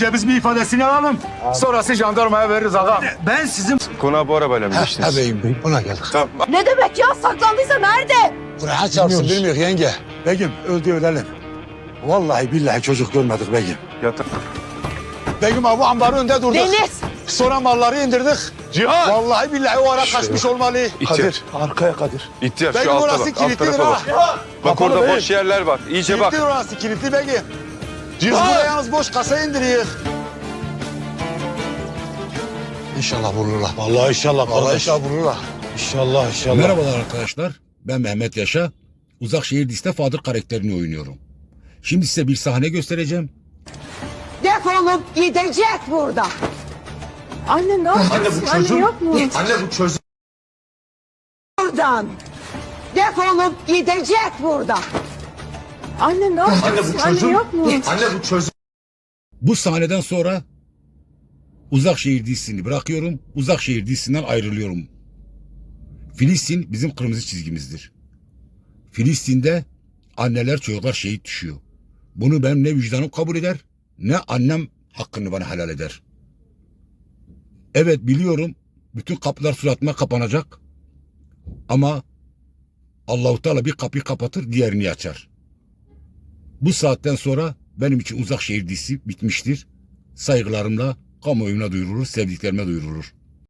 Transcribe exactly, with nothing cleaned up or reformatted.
Biz bir ifadesini alalım. Sonrası jandarmaya veririz ağam. Ben sizin... Konağa bu arabayla mı geçtiniz? Ha beyim beyim ona geldik. Tamam. Ne demek ya? Saklandıysa nerede? Buraya çarpsın bilmiyor yenge. Begüm öldü ölelim. Vallahi billahi çocuk görmedik Begüm. Yatın. Begüm abi ambarın önünde durduk. Deniz! Sonra malları indirdik. Cihan! Vallahi billahi o ara kaçmış olmalı. İhtiyar. Arkaya Kadir. İhtiyar Begüm şu alta orası bak. Alt kilitlidir tarafa ha. bak. Bak Kapalı orada değil. boş yerler var. İyice bak. Kilitli orası kilitli Begüm. Biz buraya yalnız boş kasa indiriyor. İnşallah vururlar. Vallahi inşallah Vallahi kardeş. inşallah vururlar. İnşallah inşallah. Merhabalar arkadaşlar. Ben Mehmet Yaşa. Uzakşehir dizisinde Fadır karakterini oynuyorum. Şimdi size bir sahne göstereceğim. Defolup gidecek burada. Anne ne yapıyorsun? Anne, Anne yok mu? Anne bu çocuk... Buradan. Defolup gidecek burada. Anne ne yapıyorsun? Anne bu çocuk... Anne yok mu? Anne bu çocuk... Bu sahneden sonra Uzakşehir dizisini bırakıyorum. Uzakşehir dizisinden ayrılıyorum. Filistin bizim kırmızı çizgimizdir. Filistin'de anneler çocuklar şehit düşüyor. Bunu benim ne vicdanım kabul eder ne annem hakkını bana helal eder. Evet biliyorum bütün kapılar suratıma kapanacak. Ama Allah-u Teala bir kapıyı kapatır diğerini açar. Bu saatten sonra benim için Uzakşehir dizisi bitmiştir. Saygılarımla kamuoyuna duyurulur, sevdiklerime duyurulur.